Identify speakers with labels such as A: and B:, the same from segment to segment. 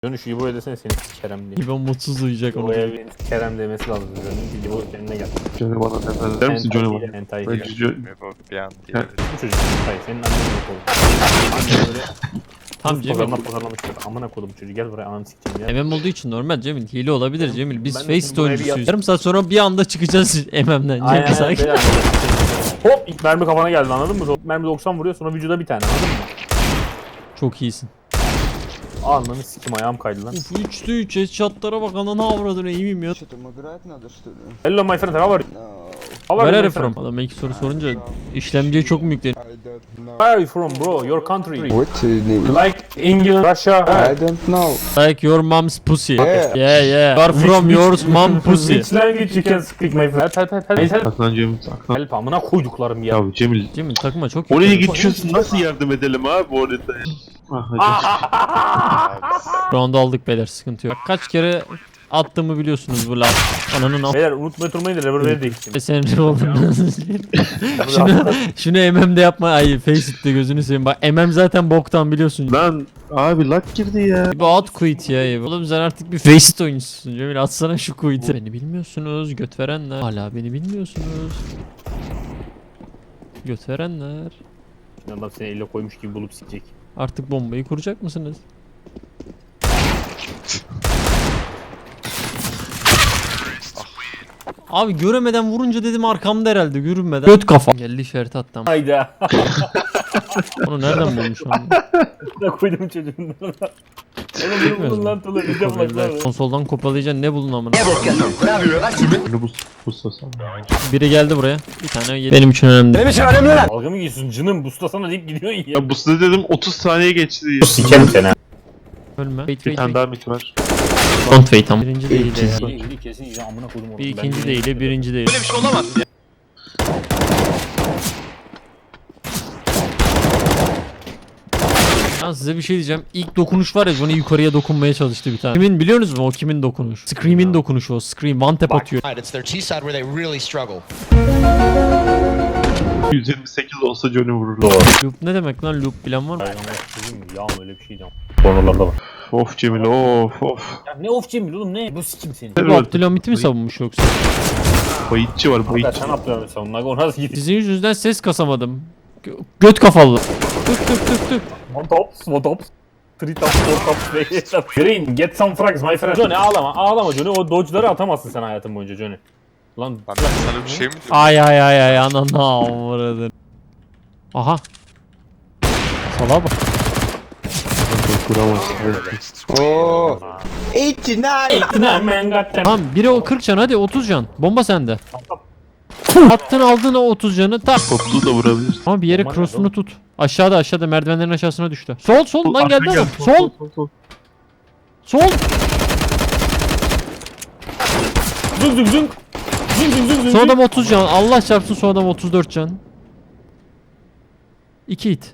A: Dönüş İbo desene seni Kerem diye.
B: İbo mutsuz uyuyacak onu.
A: İbo'ya bir Kerem demesi lazım. Dönüş İbo kendine gel.
C: Johnny bana nefret eder misin Johnny bana?
A: Hentai
C: Ben
A: ile.
D: Bir an diye.
A: Bu çocuk hentai. Senin annen yok oğlum. Annen böyle
B: Tam Cemil.
A: pazarlamıştır. Amına kodum çocuğu gel buraya ananı sikeceğim ya.
B: MM olduğu için normal Cemil. Hile olabilir Cemil. Biz
A: Ben de
B: Faceit
A: şimdi buraya bir
B: oyuncusuyuz. Yarım saat sonra bir anda çıkacağız MM'den.
A: Aynen
B: Cemil sakin.
A: öyle. Hop ilk mermi kafana geldi anladın mı? Mermi 90 vuruyor sonra vücuda bir tane anladın mı?
B: Çok iyisin.
A: Ananı sikim ayağım kaydı lan.
B: Uf 3'te 3 headshotlara bak ananı avradın iyi miyim ya?
E: Что-то играть надо, что ли?
A: Hello my friend how are you?
E: No,
A: How are
B: Where
A: you
B: are
A: my
B: you from?
A: friend?
B: Adam ilk soru sorunca işlemciye çok mu yükleniyor?
E: I don't know.
A: Where are you from bro? Your country.
E: What name?
A: Like England, Russia.
E: I don't know.
B: Like your mom's pussy.
E: Yeah.
B: Yeah yeah. You are from your mom pussy.
A: Which language you can speak my friend? Help.
C: Saklan Cemil saklan.
A: Help amına koyduklarım ya.
C: Ya Cemil
B: Cemil takıma çok
C: oraya
B: yükleniyor.
C: geçiyorsun nasıl yardım edelim abi orada? Ah hadi.
B: Round aldık beyler sıkıntı yok. Bak, kaç kere attığımı biliyorsunuz bu laf. Ananın al.
A: Beyler unutmayı durmayın da revolveri değiştim.
B: Senin revolver'ın. şunu MM'de yapma. Ay Faceit'te gözünü seveyim. Bak MM zaten boktan biliyorsun.
C: Lan abi lat girdi ya.
B: Bu out quit ya. Oğlum sen artık bir Faceit oyuncusun Cemil. Atsana şu quit'i. Beni bilmiyorsunuz göt verenler. Hala beni bilmiyorsunuz. Göt verenler.
A: Adam seni elle koymuş gibi bulup sikecek.
B: Artık bombayı kuracak mısınız? Abi göremeden vurunca dedim arkamda herhalde görünmeden. Göt kafa. Geldi işareti attım.
A: Hayda.
B: Onu nereden bulmuş onu?
A: Ne koydum çocuğun. Oğlum bunu bulun lan Tula bir de bak.
B: Konsoldan kopalayacaksın ne bulun amına.
C: Bunu bu sasam.
B: Biri geldi buraya. Bir tane yedi. Benim için önemli.
A: Dalga mı geçiyorsun canım buslasana deyip gidiyorsun ya.
C: Ya bu size dedim 30 saniye geçti.
A: Sikerim seni.
B: Ölme. Wait
C: Bir
B: wait
C: tane
B: wait.
C: daha mit var.
B: Don't wait ama. Birinci değil de ya.
A: İyi kesin yiyeceğim amına koydum oğlum.
B: Bir ikinci değil de birinci değil. Ben size bir şey diyeceğim. İlk dokunuş var ya bana yukarıya dokunmaya çalıştı bir tane. Kimin biliyorsunuz mu o kimin dokunuş? Scream'in dokunuşu o. Scream one tap atıyor.
F: It's their T side where they really struggle.
C: 128 olsa Johnny vurur.
A: Doğru.
B: Loop ne demek lan loop bilen var mı?
A: Ay ama sizin mi? Ya öyle bir şey diyeceğim. Konularda var.
C: Of Cemil of of.
A: Ya ne of Cemil oğlum ne? Bu sikim seni.
B: Bu Abdülhamit'i mi savunmuş yoksa?
C: Bayitçi var
A: Ya
C: bayitçi.
A: sen yapıyorsun savunma. O nasıl gidiyor?
B: Sizin yüzünüzden ses kasamadım. Göt kafalı. Tık tık tık tık.
A: One tops. Three tops, four tops, beş tops. Green, get some frags my friend. Johnny ağlama, ağlama Johnny. O dodge'ları atamazsın sen hayatın boyunca Johnny. Lan
D: Lan ben sana bir şey mi diyorum?
B: Ay ay ay ay ananı avradın. Aha. Salağa bak.
C: Kuramazsın.
E: Oh, 89.
A: man goddamn.
B: Tamam biri o 40 can hadi 30 can. Bomba sende. Attın aldın o 30 canı tak.
C: Toplu da vurabilirsin.
B: Ama bir yere
A: Bomba
B: cross'unu
A: nerede
B: tut. Aşağıda merdivenlerin aşağısına düştü. Sol lan geldi adam. Sol. Sol.
A: Zung zung zung. Zung zung zung zung.
B: Son adam 30 can. Allah çarpsın son adam 34 can. 2 hit.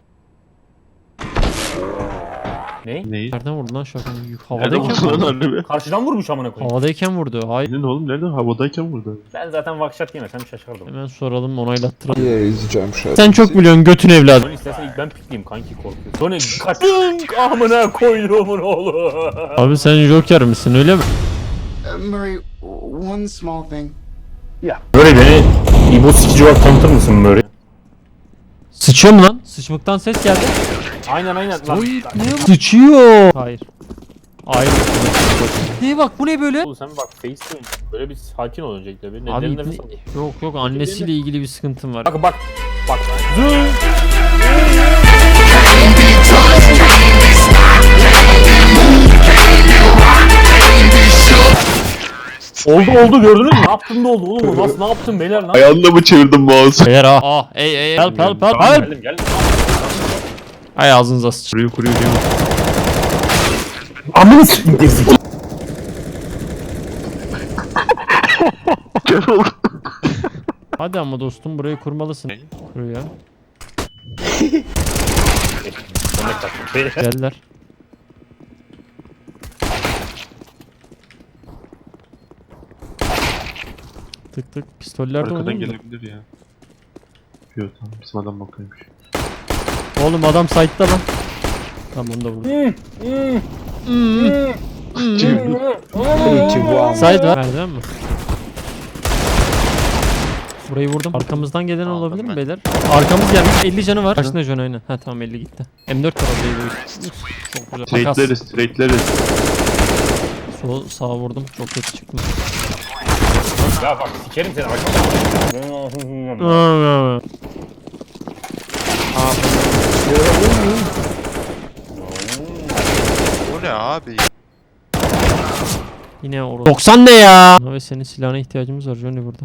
A: Ne?
C: Neyi?
B: Nereden vurdu lan şu an?
C: Nereden
B: Havadayken
C: vurdu lan
B: vurdu.
C: annemi?
A: Karşıdan vurmuş amına koyayım.
B: Havadayken vurdu. Hayır.
C: Senin oğlum nereden? Havadayken vurdu.
A: Ben zaten vakşat yemesem şaşardım.
B: Hemen soralım onaylattıralım.
E: Yeah, it's jump shot.
B: Sen çok biliyorsun götün evladım.
A: Johnny istersen ilk ben pikleyeyim kanki korkuyor. Johnny kaç. Zung amına koyduğumun oğlu.
B: Abi sen Joker misin öyle mi?
F: Murray, one small thing.
A: Böyle beni İbo sikici olarak tanıtır mısın böyle?
B: Sıçıyor mu lan? Sıçmaktan ses geldi.
A: Aynen aynen. Lan,
B: Oy ne bu? Sıçıyor. Hayır. Hayır. Ne bak bu ne böyle?
A: Oğlum sen bir bak Face'te böyle bir sakin ol öncelikle. Bir
B: Abi
A: neden nefes al.
B: yok annesiyle ilgili bir sıkıntım var.
A: Bak bak. Bak. Zung. Oldu gördünüz mü? Ne yaptın da oldu oğlum? Nasıl ne yaptın beyler lan?
C: Ayağında mı çevirdin mouse'u?
B: Beyler ey help
A: Geldim.
B: Ay ağzınıza sıç.
C: Kuruyor Cemil.
A: Amına s**eyim gerizekalı.
C: Cemil.
B: Hadi ama dostum burayı kurmalısın. Kur ya. Geldiler. Tık tık pistoller de
C: Arkadan
B: olur mu?
C: gelebilir ya. Yok tamam bizim adam bakıyormuş.
B: Oğlum adam site'da lan. Tamam onu da vurdum.
E: 21.
B: Side var. Merdiven mi? Burayı vurdum. Arkamızdan gelen olabilir mi
D: ben.
B: beyler? Arkamız gelmiş. 50 canı var. Karşında John aynen. Ha tamam 50 gitti. M4 var orada. Çok güzel. Takas.
C: Trade'leriz, trade'leriz.
B: Sol sağa vurdum. Çok kötü çıktım.
A: Ya bak sikerim seni arkamda.
D: Bu ne abi?
B: Yine orada. 90 ne ya? Abi senin silahına ihtiyacımız var Johnny burada.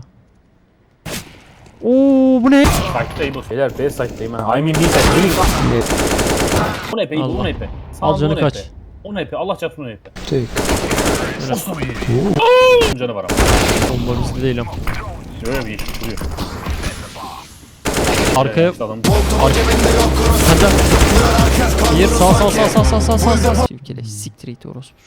B: Oo bu ne?
A: Site'dayım o. Beyler B site'dayım ha. I mean B site. Really bak. 10 EP,
B: Allah.
A: 10 EP.
B: Al canı kaç.
A: 10 EP, Allah çarpsın 10 EP.
E: Take.
A: Canı var ama.
B: Bomba bizde değil ama.
A: Böyle bir iş duruyor.
B: Arkaya
A: Adam.
B: hadi. Bir sağ. Çivkele siktir it orospu.